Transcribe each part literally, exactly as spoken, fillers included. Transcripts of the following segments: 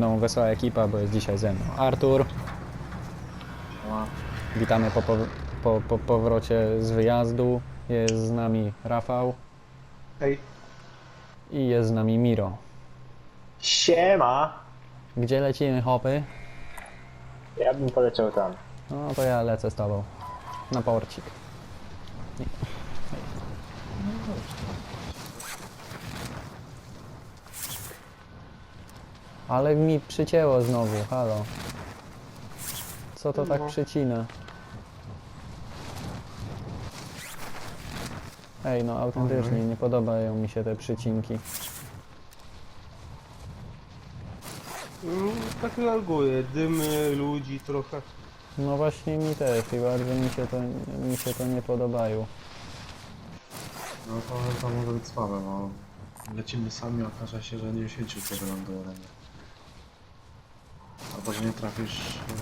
No, wesoła ekipa, bo jest dzisiaj ze mną Artur. No. Witamy po, po, po, po powrocie z wyjazdu. Jest z nami Rafał Hej. i jest z nami Miro. Siema! Gdzie lecimy, hopy? Ja bym poleciał tam. No to ja lecę z tobą. Na porcik. Nie. Ale mi przycięło znowu, halo. Co to tak No. przycina? Ej, no autentycznie nie podobają mi się te przycinki. Mm, tak reaguje, dymy, ludzi trochę. No właśnie mi też i bardzo mi się to, mi się to nie podobają. No to, to może być słabe, bo lecimy sami, okaże się, że nie świecił tego lądowania. Albo że nie trafisz...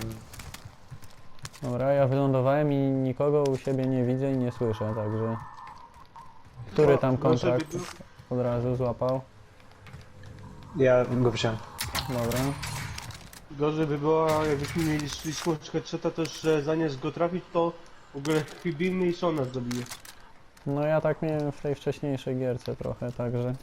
y, Dobra, ja wylądowałem i nikogo u siebie nie widzę i nie słyszę, także... Który tam Gorzej by kontrakt było- od razu złapał? Ja go wziąłem. Dobra. Gorzej by było, jakbyśmy mieli śliską headshota, to że zamiast go trafić, to w ogóle chybimy i co nas zabije. No ja tak miałem w tej wcześniejszej gierce trochę, także...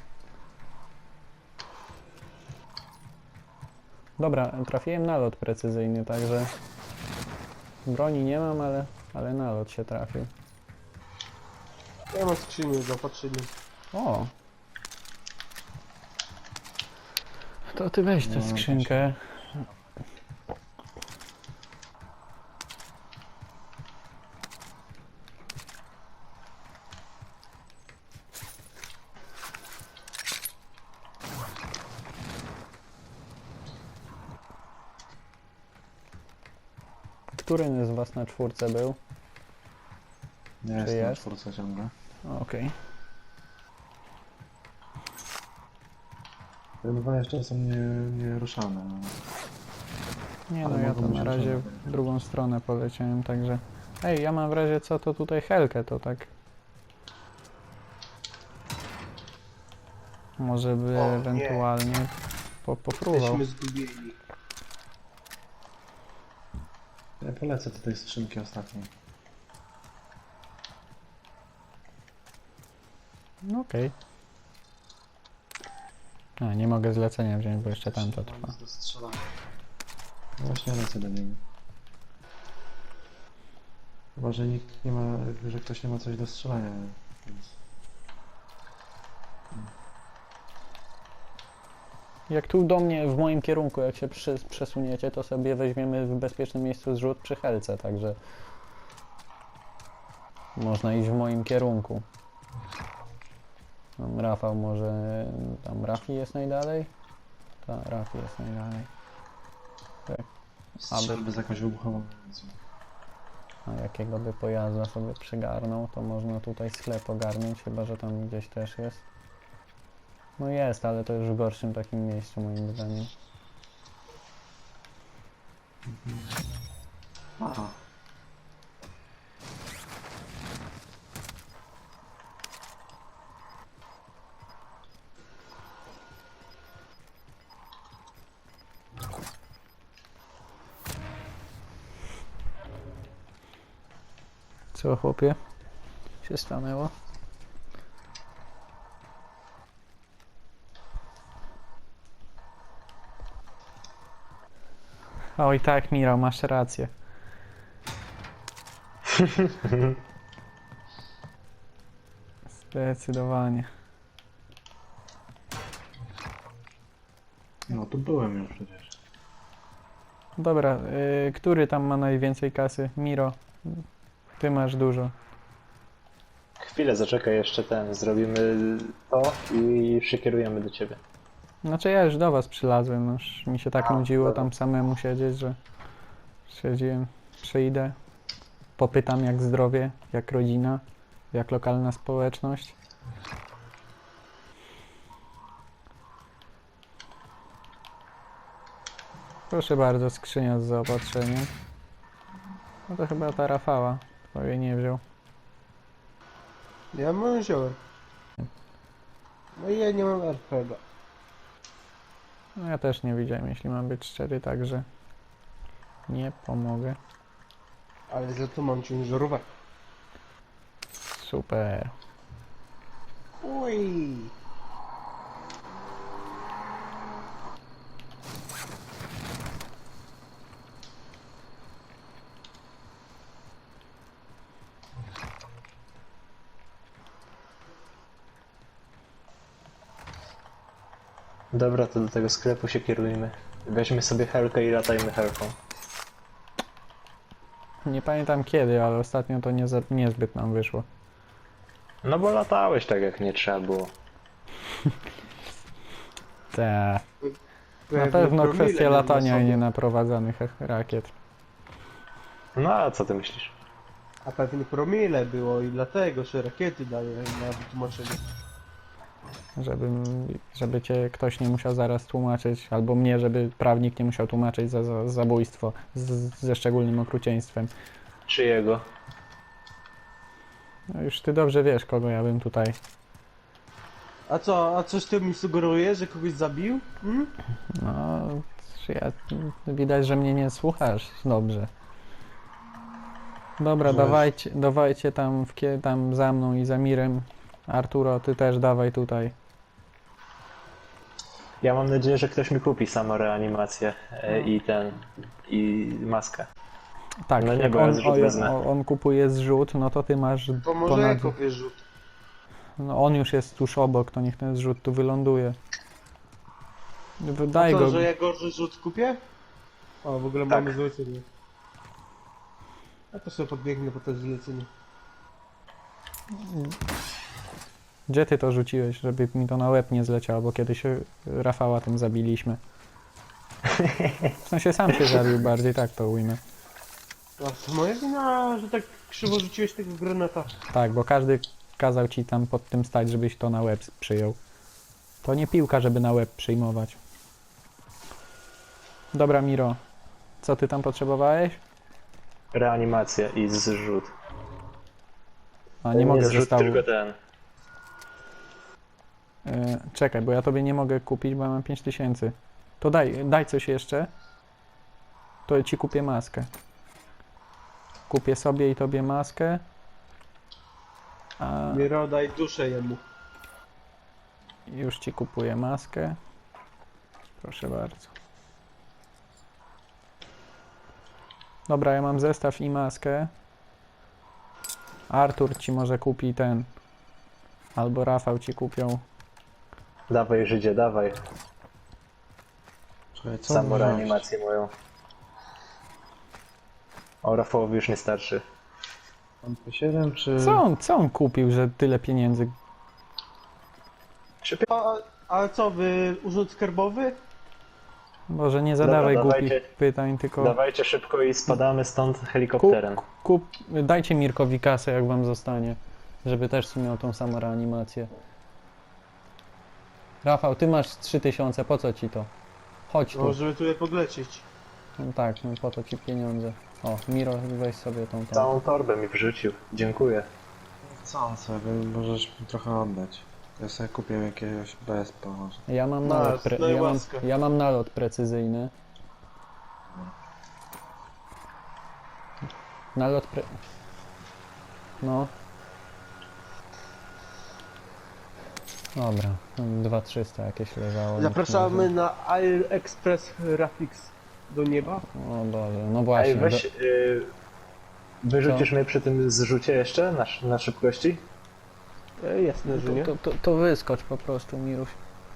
Dobra, trafiłem na lot precyzyjny, także... Broni nie mam, ale, ale nalot się trafił. Ja mam skrzynię z zaopatrzeniem. O! To ty weź tę No, skrzynkę. Który z was na czwórce był? Nie jest na jest? czwórce ciągle. O, Okej. Te dwa jeszcze są nie, nie ruszane. No. Nie Ale no, ja mogą to być na razie ruszone. w drugą stronę poleciałem, także... Ej, ja mam w razie co, to tutaj helkę, to tak... Może by O, nie. ewentualnie po, popróbował. Jesteśmy zgubieni. Ja polecę do tej skrzynki ostatniej. No okej. A, nie mogę zlecenia wziąć, bo jeszcze tam to trwa. Do strzelania. No właśnie lecę do niego. Chyba, że nikt nie ma, że ktoś nie ma coś do strzelania. Więc... Jak tu do mnie, w moim kierunku, jak się przy, przesuniecie, to sobie weźmiemy w bezpiecznym miejscu zrzut przy helce, także... Można iść w moim kierunku. Tam Rafał może... Tam Rafi jest najdalej? Tak, Rafi jest najdalej. Strzelby z jakąś wybuchową amunicją. A jakiego by pojazda sobie przygarnął, to można tutaj sklep ogarnąć, chyba że tam gdzieś też jest. No jest, ale to już w gorszym takim miejscu moim zdaniem. Aha. Co chłopie? Się stanęło? Oj tak, Miro, masz rację. Zdecydowanie. No tu byłem już przecież. Dobra, y, który tam ma najwięcej kasy? Miro, ty masz dużo. Chwilę zaczekaj, jeszcze ten. Zrobimy to i przekierujemy do ciebie. Znaczy ja już do was przylazłem, no już mi się tak A, nudziło dobra. tam samemu siedzieć, że stwierdziłem, przyjdę, popytam jak zdrowie, jak rodzina, jak lokalna społeczność. Proszę bardzo, skrzynia z zaopatrzeniem. No to chyba ta Rafała, kto jej nie wziął. Ja mam wziąłem. No i ja nie mam R P G. No ja też nie widziałem, jeśli mam być szczery, także nie pomogę. Ale za to mam ciężarówkę. Super. Uj. Dobra, to do tego sklepu się kierujmy. Weźmy sobie helkę i latajmy helką. Nie pamiętam kiedy, ale ostatnio to nie za, niezbyt nam wyszło. No bo latałeś tak jak nie trzeba było. Te. Na Pewnie pewno promile kwestia miał na latania, a sobie. nie naprowadzanych rakiet. No a co ty myślisz? A pewnie promile było i dlatego, że rakiety daje na wytłumaczenie. Żeby, żeby cię ktoś nie musiał zaraz tłumaczyć, albo mnie, żeby prawnik nie musiał tłumaczyć za, za zabójstwo z, ze szczególnym okrucieństwem. Czyjego? No już ty dobrze wiesz, kogo ja bym tutaj... A co, a coś ty mi sugerujesz, że kogoś zabił? Hmm? No, czy ja, widać, że mnie nie słuchasz dobrze. Dobra, Żeś. dawajcie, dawajcie tam, w, kie- tam za mną i za Mirem. Arturo, ty też dawaj tutaj. Ja mam nadzieję, że ktoś mi kupi samoreanimację e, i ten, i maskę. Tak, No nie, jak bo ja on, zrzut o, wezmę. on, on kupuje zrzut, no to ty masz To może ponad... ja kopię rzut. No on już jest tuż obok, to niech ten zrzut tu wyląduje. A Daj co, go. że ja gorzej rzut kupię? O, w ogóle Tak. mamy zlecenie. Ja to sobie podbiegnę po to zlecenie. Gdzie ty to rzuciłeś, żeby mi to na łeb nie zleciało, bo kiedyś Rafała tym zabiliśmy. W sensie sam się zabił bardziej, tak to ujmę. A to moja wina, że tak krzywo rzuciłeś tego granata. Tak, bo każdy kazał ci tam pod tym stać, żebyś to na łeb przyjął. To nie piłka, żeby na łeb przyjmować. Dobra, Miro. Co ty tam potrzebowałeś? Reanimacja i zrzut. A nie mogę zrzut, zestawu. tylko ten. E, czekaj, bo ja tobie nie mogę kupić, bo ja mam pięć tysięcy. To daj, daj coś jeszcze. To ci kupię maskę. Kupię sobie i tobie maskę. A Miro, daj duszę jemu. już ci kupuję maskę. Proszę bardzo. Dobra, ja mam zestaw i maskę. Artur ci może kupi ten. Albo Rafał ci kupią. Dawaj Żydzie, dawaj. Czekaj, co Samoreanimację moją. O, Rafałowi już nie starczy. Mam P siedem czy... Co on, co on kupił, że tyle pieniędzy? Trzy pi- A, a co, wy urząd skarbowy? Boże, nie zadawaj Dobra, głupich dawajcie. pytań, tylko Dawajcie szybko i spadamy stąd helikopterem. kup, kup, dajcie Mirkowi kasę, jak wam zostanie, żeby też miał tą samą reanimację. Rafał, ty masz trzy tysiące, po co ci to? Chodź tu. No, żeby tu je podlecieć. No tak, no po to ci pieniądze. O, Miro, weź sobie tą tą. Całą torbę mi wrzucił. Dziękuję. Co sobie, możesz mi trochę oddać. Ja sobie kupię jakiegoś B S P może. Ja mam Masz, nalot, pre, daj ja, mam, łaskę. ja mam nalot precyzyjny. Nalot pre... No. Dobra, dwa trzysta jakieś leżało. Zapraszamy na Air Express Rafix do nieba. O Boże, no właśnie. Ej, weź... do- Y, wyrzucisz mnie przy tym zrzucie jeszcze na, sz- na szybkości? E, jasne, że nie. to, to, to wyskocz po prostu, Miruś.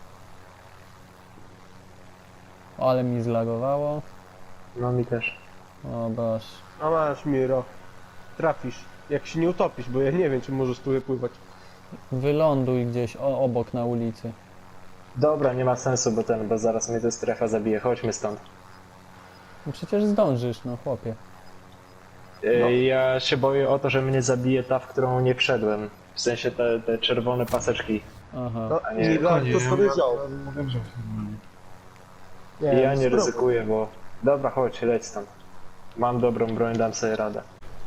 Ale mi zlagowało. No mi też. O Boże. A masz, Miro. Trafisz. Jak się nie utopisz, bo ja nie wiem, czy możesz tu pływać. Wyląduj gdzieś o, obok na ulicy. Dobra, nie ma sensu, bo ten, bo zaraz mnie ta strefa zabije. Chodźmy stąd. No przecież zdążysz, no chłopie. Y, No. Ja się boję o to, że mnie zabije ta, w którą nie wszedłem. W sensie te, te czerwone paseczki. Aha. No, A nie, nie, tak, to sobie wziął. Mówię, że normalnie. I ja nie spróbuj. ryzykuję, bo... Dobra, chodź, leć stąd. Mam dobrą broń, dam sobie radę.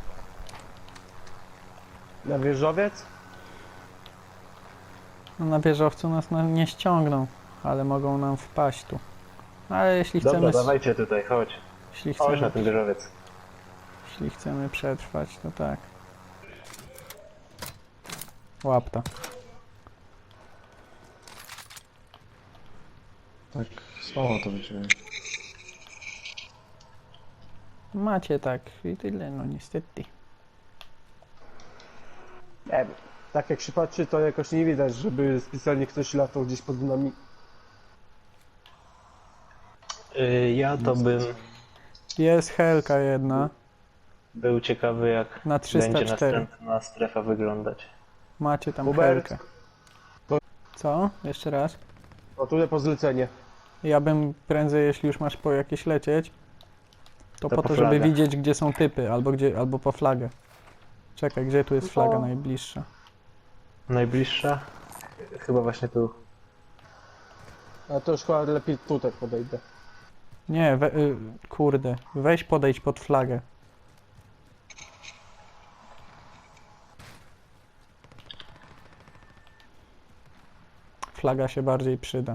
Na wieżowiec? No na wieżowcu nas na, nie ściągną, ale mogą nam wpaść tu. Ale jeśli Dobra, chcemy, dawajcie tutaj, chodź. jeśli Chodź na chcemy, ten wieżowiec. jeśli chcemy przetrwać, to tak. Łapta. Tak, słabo to wyczułem. Macie tak i tyle, no niestety. Nie wiem. Tak jak się patrzy, to jakoś nie widać, żeby specjalnie ktoś latał gdzieś pod nami. Yy, ja to bym Jest helka jedna był ciekawy, jak na trzysta będzie cztery. następna strefa wyglądać. Macie tam Hubert. helkę. Co? Jeszcze raz? O, tutaj po zlecenie. Ja bym prędzej, jeśli już masz po jakieś lecieć, to, To po po to, żeby flagę. widzieć, gdzie są typy, albo gdzie, albo po flagę. Czekaj, gdzie tu jest No. flaga najbliższa? Najbliższa? Chyba właśnie tu. A to już chyba lepiej tutaj podejdę. Nie, we, y, kurde, weź podejdź pod flagę. Flaga się bardziej przyda.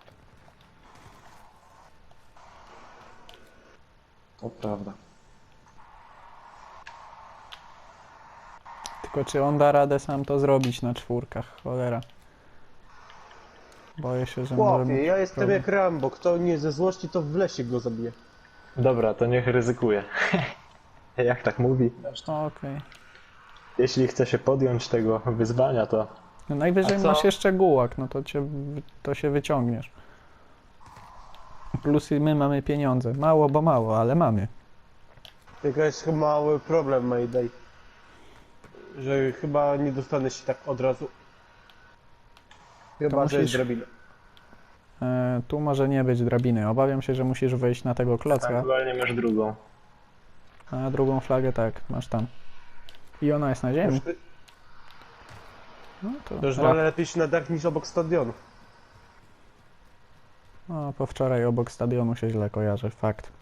To prawda. Tylko czy on da radę sam to zrobić na czwórkach, cholera. Boję się, że może Chłopie, mieć ja jestem problem. jak Rambo. Kto nie ze złości, to w lesie go zabije. Dobra, to niech ryzykuje. Jak tak mówi? Okej. Jeśli chce się podjąć tego wyzwania, to No najwyżej A co? masz jeszcze gułak, no to, cię, w- to się wyciągniesz. Plus i my mamy pieniądze. Mało, bo mało, ale mamy. Tylko jest chyba mały problem, Mayday. Że chyba nie dostanę się tak od razu. Chyba, że jest musisz- drabina. E, tu może nie być drabiny. Obawiam się, że musisz wejść na tego klocka, aktualnie masz drugą. a na drugą flagę tak, masz tam. I ona jest na ziemi. Już, No to to już ra- wolę lepiej się na dach niż obok stadionu. no, po wczoraj obok stadionu się źle kojarzy, fakt.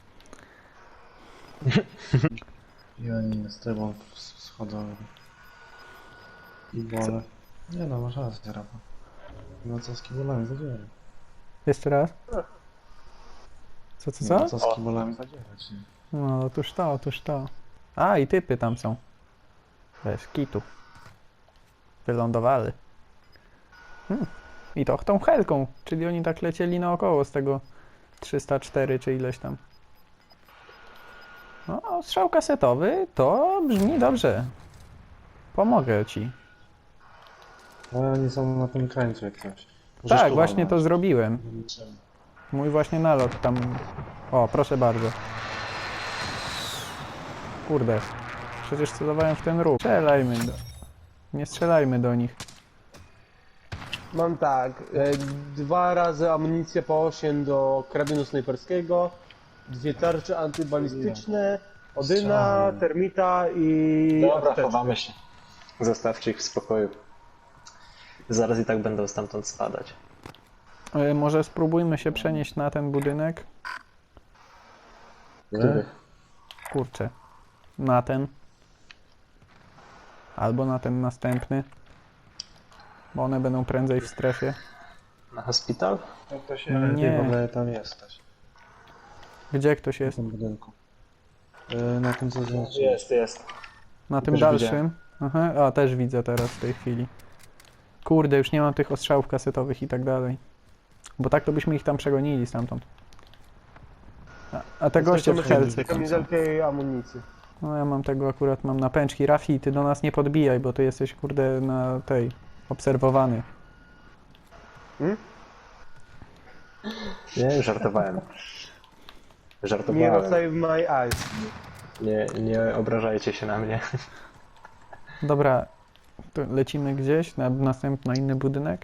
Ja nie z tobą schodzą. I wolę. Nie no, masz rację, Rafa. No co z kibolami zadzierać? Jeszcze raz? Co, co, No co? co z kibolami zadzierać, nie? No, otóż to, otóż to. A, i typy tam są. Bez kitu. Wylądowali. Hmm. I to tą helką, czyli oni tak lecieli naokoło z tego trzysta cztery czy ileś tam. No, strzał kasetowy to brzmi dobrze. Pomogę ci. Ale oni są na tym krańcu jak coś. Możesz Tak, tu właśnie to walnąć. zrobiłem. Mój właśnie nalot tam... O, proszę bardzo. Kurde. Przecież celowałem w ten ruch. Strzelajmy do... Nie strzelajmy do nich. Mam tak, e, dwa razy amunicję po osiem do karabinu snajperskiego, dwie tarcze antybalistyczne, Odyna, Strzały. termita i Dobra, apteczkę. chowamy się. Zostawcie ich w spokoju. Zaraz i tak będą stamtąd spadać. E, może spróbujmy się przenieść na ten budynek? Który? Kurczę. Na ten. Albo na ten następny. Bo one będą prędzej w strefie. Na hospital? Jak to się No nie. nie. w ogóle tam jesteś. Gdzie ktoś W jest? tym budynku. Yy, na tym co znaczy. Jest, jest. Na tym Też dalszym? widziałem. Aha, a też widzę teraz w tej chwili. Kurde, już nie mam tych ostrzałów kasetowych i tak dalej. Bo tak to byśmy ich tam przegonili stamtąd. A, a te goście w Jesteśmy helce. przy kamizelkę i amunicji. No ja mam tego akurat, mam na pęczki. Rafi, ty do nas nie podbijaj, bo ty jesteś kurde na tej, obserwowany. Nie, żartowałem. Nie Żartowałem. save my eyes. Nie, nie obrażajcie się na mnie. Dobra, to lecimy gdzieś na następny inny budynek.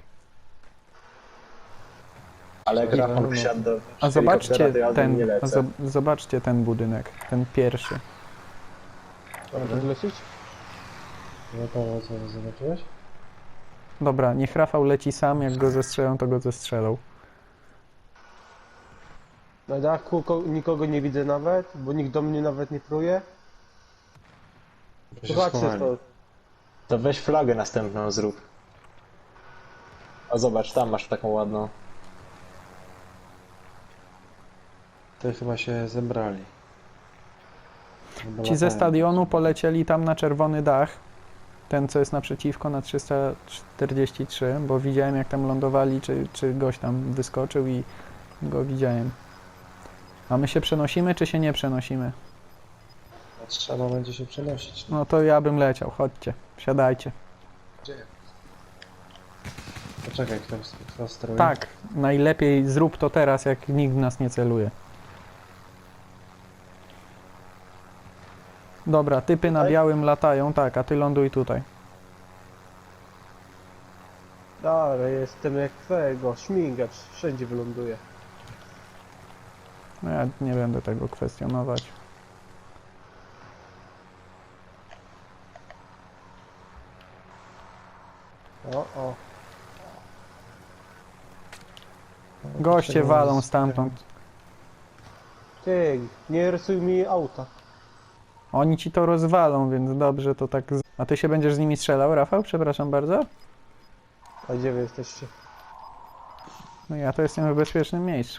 Ale jak Rafał wsiadł do A helikoptera, zobaczcie to ja nie ten, a lecę. zo- zobaczcie ten budynek, ten pierwszy. Mam podlecieć? No to co zobaczyłeś? Dobra, niech Rafał leci sam, jak go zestrzelą, to go zestrzelą. Na dachu ko- nikogo nie widzę nawet, bo nikt do mnie nawet nie pruje. Bo się Zobaczcie schowali. to. To weź flagę następną zrób. A zobacz, tam masz taką ładną. tutaj chyba się zebrali. Chyba Ci ze latają. stadionu polecieli tam na czerwony dach. Ten, co jest naprzeciwko na trzysta czterdzieści trzy, bo widziałem jak tam lądowali, czy, czy gość tam wyskoczył i go widziałem. A my się przenosimy, czy się nie przenosimy? Trzeba będzie się przenosić. No to ja bym leciał, chodźcie, wsiadajcie. Poczekaj, kto, kto steruje? Tak, najlepiej zrób to teraz, jak nikt w nas nie celuje. Dobra, typy na Tutaj? białym latają, tak, a ty ląduj tutaj. Dobra, jestem jak twojego, śmigacz, wszędzie wyląduje. No ja nie będę tego kwestionować. O, o. Goście walą stamtąd. Ty, nie rysuj mi auta. Oni ci to rozwalą, więc dobrze to tak... z- A ty się będziesz z nimi strzelał, Rafał? Przepraszam bardzo. A gdzie wy jesteście? No ja to jestem w bezpiecznym miejscu.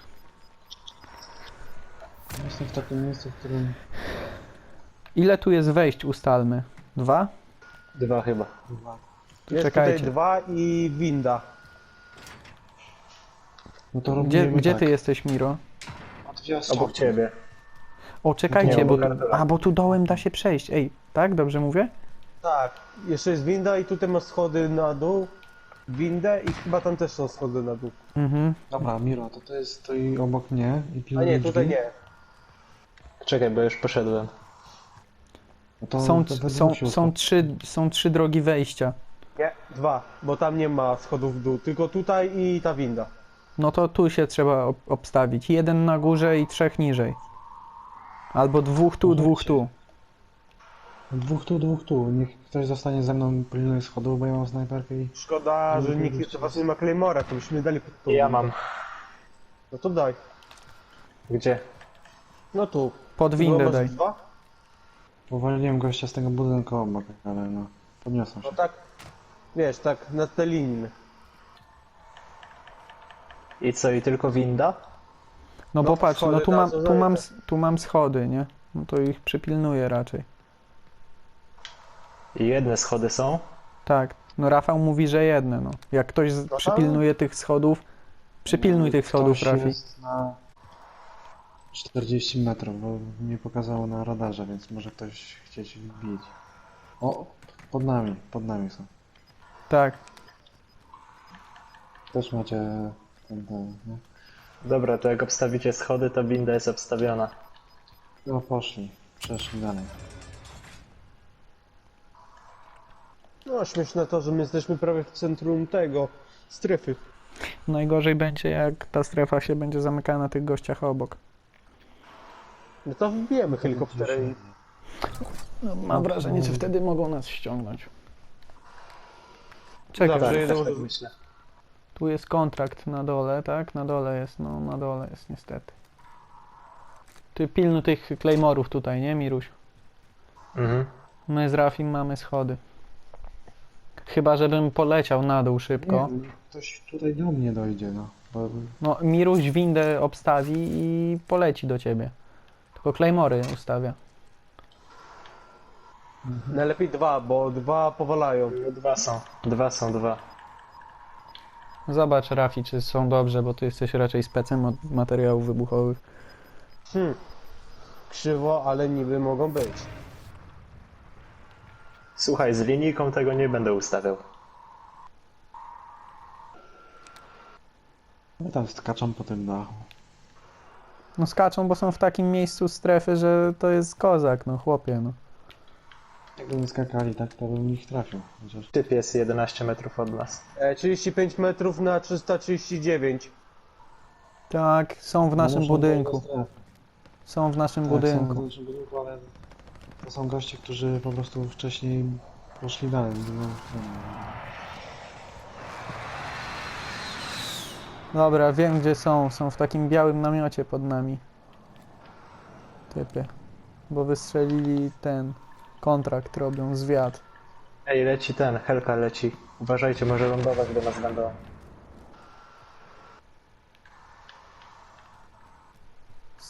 Jestem w takim miejscu, w którym... Ile tu jest wejść, ustalmy? Dwa? Dwa chyba. Jest Czekajcie. tutaj dwa i winda. No to Gdzie, robimy gdzie tak. ty jesteś, Miro? Od drzwi Obok ciebie. O, czekajcie, Nie, bo... obok kartela. A, bo tu dołem da się przejść. Ej, tak? Dobrze mówię? Tak. Jeszcze jest winda i tutaj masz schody na dół. Windę i chyba tam też są schody na dół. Mhm. Dobra, Miro, to to jest stoi obok mnie i A pilnuje nie, tutaj drzwi. nie. Czekaj, bo już poszedłem. No to, Są, to we są, dwóch się są, ustaw- trzy, są trzy drogi wejścia. Nie, dwa, bo tam nie ma schodów w dół, tylko tutaj i ta winda. No to tu się trzeba ob- obstawić. Jeden na górze i trzech niżej. Albo dwóch tu, dwóch tu. Dwóch tu, dwóch tu. Niech ktoś zostanie ze mną pilnuje schodów, bo ja mam snajperkę i... Szkoda, że Mhm. nikt jeszcze was nie ma Claymora, to byśmy dali pod tą Ja windę. mam. No to daj. Gdzie? No tu. Pod Tylko windę masz daj. dwa? Powaliłem gościa z tego budynku obok, ale no... Podniosłem się. No tak. Wiesz, tak na te linie. I co, i tylko winda? No No bo to patrz, no schody tu na mam, co tu mam, zajdę. s- tu mam schody, nie? No to ich przypilnuję raczej. I jedne schody są. Tak, no Rafał mówi, że jedne, no. Jak ktoś z- tam- przypilnuje tych schodów, przypilnuj tych schodów, Ktoś Rafi. jest na czterdzieści metrów, bo nie pokazało na radarze, więc może ktoś chcieć wbić. O, pod nami, pod nami są. Tak, Też macie ten, ten, nie? Dobra, to jak obstawicie schody, to winda jest obstawiona. No poszli, przeszli dalej. No śmieszne to, że my jesteśmy prawie w centrum tego, strefy. najgorzej będzie jak ta strefa się będzie zamykała na tych gościach obok. No to wbijemy helikopterem. No, mam wrażenie, że wtedy mogą nas ściągnąć. Czekaj, Dobra, Tak, że też jedę- tak myślę. tu jest kontrakt na dole, tak? Na dole jest, no na dole jest niestety. Ty pilnuj tych claymorów tutaj, nie Miruś? Mhm. My z Rafim mamy schody. Chyba, żebym poleciał na dół szybko. Nie, ktoś tutaj do mnie dojdzie, no. Bo No, Miruś windę obstawi i poleci do ciebie. Tylko Claymory ustawia. Najlepiej dwa, bo dwa powalają. No, dwa są. Dwa są, dwa. Zobacz, Rafi, czy są dobrze, bo ty jesteś raczej specem od materiałów wybuchowych. Hmm. Krzywo, ale niby mogą być. Słuchaj, z linijką tego nie będę ustawiał. no tam skaczą po tym dachu. No skaczą, bo są w takim miejscu strefy, że to jest kozak, no chłopie, no. Jakby skakali tak, to bym ich trafił. Chociaż... Typ jest jedenaście metrów od nas. E, trzydzieści pięć metrów na trzysta trzydzieści dziewięć. Tak, są w No naszym muszą budynku. dojść do strefy. Są w naszym Tak, budynku. Są w naszym budynku, ale to są goście, którzy po prostu wcześniej poszli dalej. No, Dobra, wiem gdzie są. Są w takim białym namiocie pod nami. Typy. Bo wystrzelili ten kontrakt, robią zwiat. Ej, leci ten, Helka leci. Uważajcie, może lądować do nas będą.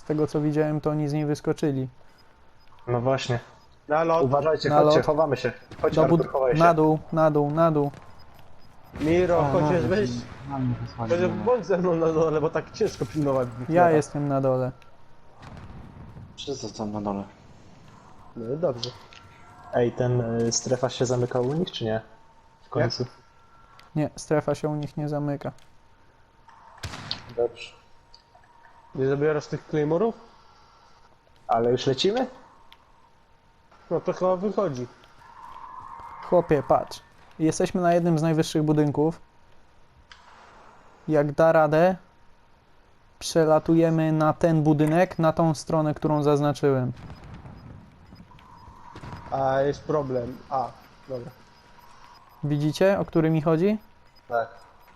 tego co widziałem, to oni z niej wyskoczyli. No właśnie. Na lot. Uważajcie, Na chodźcie, lot. chowamy się. Chodź Do Artur, bud- chowaj się. na dół, na dół, na dół. Miro, A, chociaż na- weź. na mnie wysłali, Chociaż dobra. bądź ze mną na dole, bo tak ciężko pilnować. Ja jestem na dole. Wszyscy są na dole. No i dobrze. Ej, ten y, strefa się zamykał u nich, czy nie? W końcu. Nie, strefa się u nich nie zamyka. Dobrze. Nie zabierasz tych claymorów? Ale już lecimy? No to chyba wychodzi. Chłopie, patrz. Jesteśmy na jednym z najwyższych budynków. Jak da radę, przelatujemy na ten budynek, na tą stronę, którą zaznaczyłem. A jest problem. A, dobra. Widzicie, o który mi chodzi? Tak.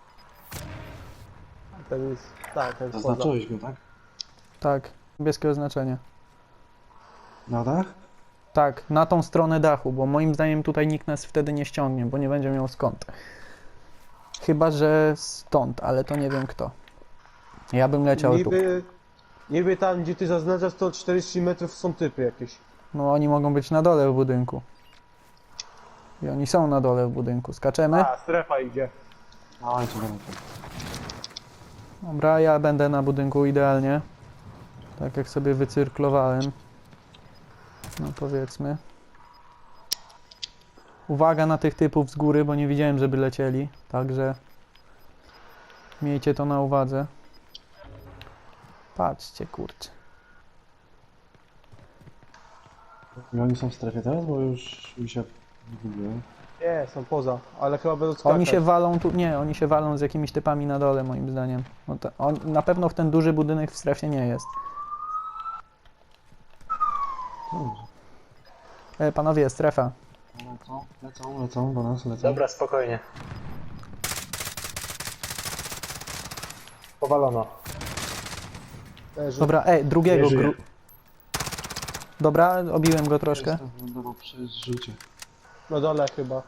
Ten jest. Tak, ten jest poza. Zaznaczyłeś go, tak? Tak, niebieskie oznaczenie. Na dach? Tak, na tą stronę dachu, bo moim zdaniem tutaj nikt nas wtedy nie ściągnie, bo nie będzie miał skąd. Chyba, że stąd, ale to nie wiem kto. Ja bym leciał tu. Niby, niby tam, gdzie ty zaznaczasz, to czterdzieści metrów są typy jakieś. No oni mogą być na dole w budynku. I oni są na dole w budynku. Skaczemy? A, strefa idzie. Dawajcie, dawajcie. Dobra, ja będę na budynku idealnie. Tak jak sobie wycyrklowałem. No powiedzmy. Uwaga na tych typów z góry, bo nie widziałem, żeby lecieli. Także miejcie to na uwadze. Patrzcie, kurczę. I oni są w strefie teraz, bo już mi się zgubiłem. Nie, są poza, ale chyba będą skakać. Oni się walą tu, nie, oni się walą z jakimiś typami na dole moim zdaniem. No to, on, na pewno w ten duży budynek w strefie nie jest. Dobrze. E, panowie, strefa. Lecą, lecą, lecą do nas, lecą. Dobra, spokojnie. Powalono. Leży. Dobra, e, drugiego Nie żyje. gru... Dobra, obiłem go troszkę. Jestem wylądował przy zrzucie. Na dole chyba.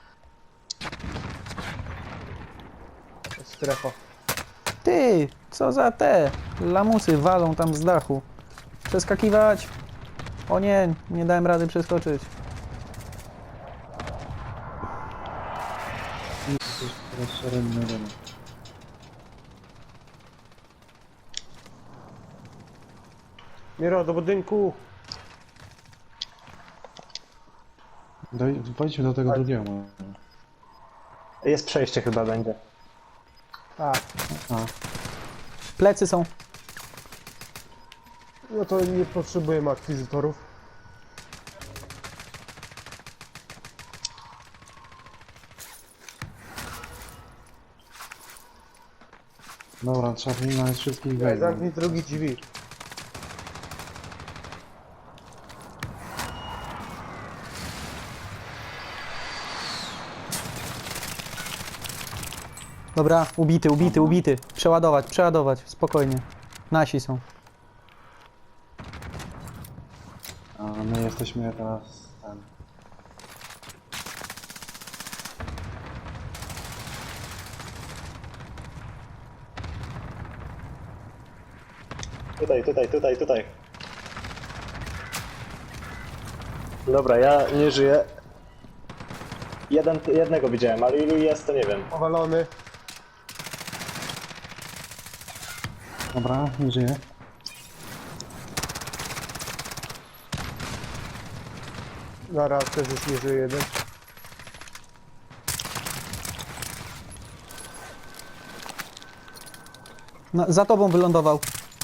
Strefa. Ty, co za te lamusy walą tam z dachu. Przeskakiwać. O nie, nie dałem rady przeskoczyć. Coś teraz szereg na dole. Miro, do budynku. Doj, pojdźmy do tego drugiego. Jest przejście chyba będzie. A, A, Plecy są. no to nie potrzebujemy akwizytorów. dobra, trzeba wyminąć wszystkich Nie, wejść. zamknij drugi drzwi. Dobra, ubity, ubity, ubity. Przeładować, przeładować, spokojnie. Nasi są. A my jesteśmy teraz ten. Tutaj, tutaj, tutaj, tutaj. Dobra, ja nie żyję. Jeden, jednego widziałem, ale ilu jest, to nie wiem. Powalony. Dobra, nie żyje. Zaraz też już nie żyje jeden. No, za tobą wylądował.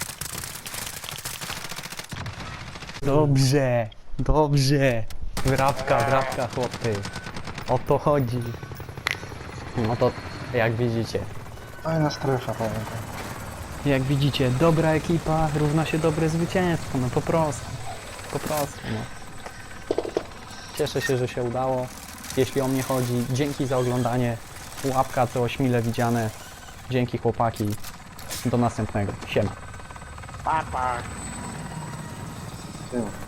Dobrze, dobrze. Wrapka, wrapka, chłopy. O to chodzi. No to, jak widzicie. Fajna strefa, powiem. Jak widzicie, dobra ekipa równa się dobre zwycięstwo. No po prostu. Po prostu, no. Cieszę się, że się udało. Jeśli o mnie chodzi, dzięki za oglądanie. Łapka co ośmile widziane. Dzięki chłopaki. Do następnego. Siema. Tył.